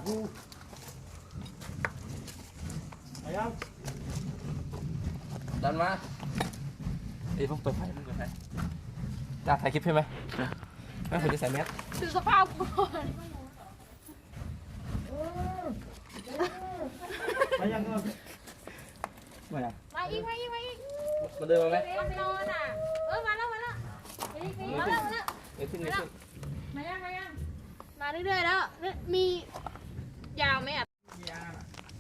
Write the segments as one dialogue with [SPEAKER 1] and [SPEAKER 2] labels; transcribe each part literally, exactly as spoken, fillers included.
[SPEAKER 1] กูไปยังดันมาเอ้ยพวกเปิดไฟมึงเปิดไฟจ้าถ่ายคลิปใช่ไหมไม่ควรจะใส่แมส
[SPEAKER 2] ดูสภาพกูก่อน
[SPEAKER 1] มายังมามายัง
[SPEAKER 2] มาอีกมาอีกมาอีก
[SPEAKER 1] มาเดินมาไหม
[SPEAKER 2] มันนอนอ่ะเออมาแล้วมาแล้วมาอีกมาแล้วมาแล้ว
[SPEAKER 1] เดี๋ยวขึ้นเดี๋ยวขึ้น
[SPEAKER 2] มายังมายังมาเรื่อยๆแล้วมียาวไหมอ่ะ
[SPEAKER 1] ยาว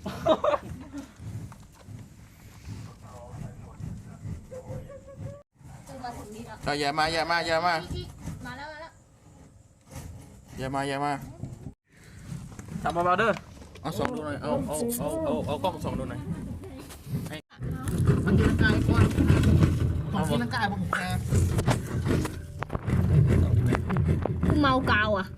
[SPEAKER 2] มาถึงนี่แล้ว
[SPEAKER 3] อย่ามาอย่ามาอย่ามา
[SPEAKER 2] มาแล้วมาแล้ว
[SPEAKER 3] อย่ามาอย่ามา
[SPEAKER 1] ทำเบาๆเด้อ
[SPEAKER 3] เอาสองดูหน่อยเอาเอาเอาเอาเอากล้องสองดูหน่อย
[SPEAKER 1] มันกินร่างกายก่อนของกินร่างกายผมแพ้
[SPEAKER 2] กูเมากาวอ่ะ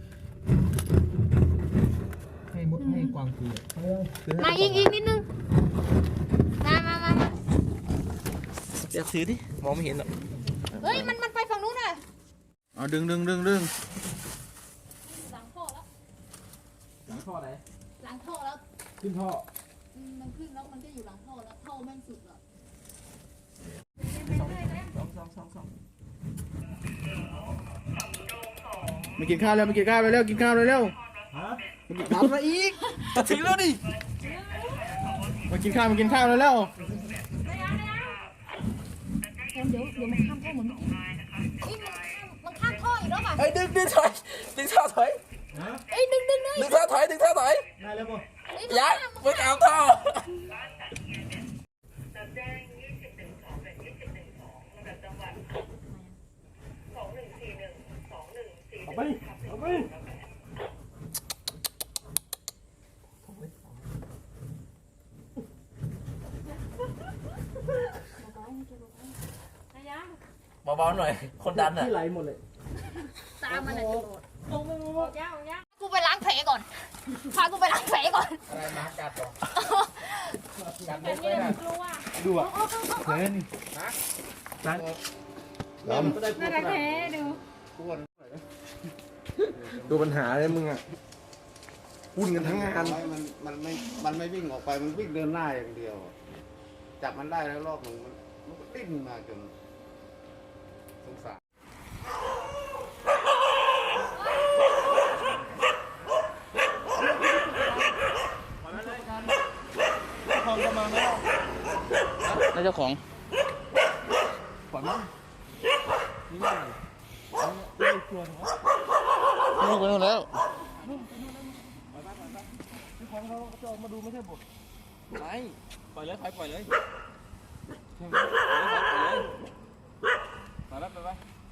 [SPEAKER 1] ให้มดให้กวางคือ
[SPEAKER 2] มาอีกอีกนิดนึงมามามามา
[SPEAKER 1] เดี๋ยวซื้อดิมองไม่เห็นหรอก
[SPEAKER 2] เฮ้ยมันมันไปฝั่งนู้นน่ะ
[SPEAKER 3] เอาดึงดึงดึงดึง
[SPEAKER 2] หลังท่อแล้ว
[SPEAKER 1] หลังท่อไหน
[SPEAKER 2] หลังท่อแล้ว
[SPEAKER 1] ขึ้นท่อ
[SPEAKER 2] มันขึ้นแล้วมันก็อยู่หลังท่อแล้วท่อแม่งสุดแล้ว
[SPEAKER 1] สองสองสองสองสอง
[SPEAKER 3] มากินข้าวแล้วมากินข้าวเร็วกินข้าวเร็ว
[SPEAKER 1] ฮะ
[SPEAKER 3] มากินข้าวมาอีกจะถึงแล้วดิมากินข้าวมากินข้าวเร็ว
[SPEAKER 2] เดี๋ยวเดี๋ยวมันข้ามท่อเหมือนเมื่อกี้มันข้ามท่ออีกแล้วป่ะ
[SPEAKER 3] ไอ้ดึงดึงถอยดึงท่าถอย
[SPEAKER 2] เอ้ยดึงดึง
[SPEAKER 3] ดึงท่าถอยดึงท่าถอย
[SPEAKER 1] ได้แล้วป่ะ
[SPEAKER 3] ยัดไม่เอาท่อ
[SPEAKER 1] เอาไปเอาไป
[SPEAKER 3] เบาๆหน่อยคนดันอ่ะ
[SPEAKER 1] ที่ไหลหมดเลย
[SPEAKER 2] ตามมันอ่ะจะโดดโอ้โหยาวยาวกูไปล้างแผลก่อนพากูไปล้างแผลก่อน
[SPEAKER 3] อะไรมากัดต่อกัด
[SPEAKER 2] แผลนี่กลัว
[SPEAKER 1] ดูอ่ะเล่นนะนั่นลำ
[SPEAKER 2] น่ารักแท้ดู
[SPEAKER 3] ดูปัญหาเลยมึงอ่ะวุ่นกันทั้งงาน
[SPEAKER 4] มันมันไม่มันไม่วิ่งออกไปมันวิ่งเดินหน้าอย่างเดียวจับมันได้แล้วรอบหนึ่งมันมันก็ติ้นมาจนสงสาร
[SPEAKER 3] แล้วเจ้าของ
[SPEAKER 1] ปล่อยมั้งนี่ไม่ไม่ชวนเหรอ
[SPEAKER 3] ลูกไปนู่นแล้ว
[SPEAKER 1] เจ้าของเขาจะออกมาดูไม่ใช่บทไม่ปล่อยเลยปล่อยเลยปล่อยเลยปล่อยเลยไปไป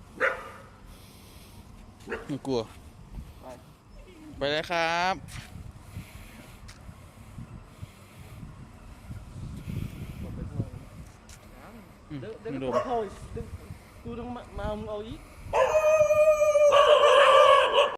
[SPEAKER 3] ไม่กลัวไปเลยครับ
[SPEAKER 1] เดี๋ยวเดี๋ยวก็เข้าดูต้องมาเอามึงเอาอีก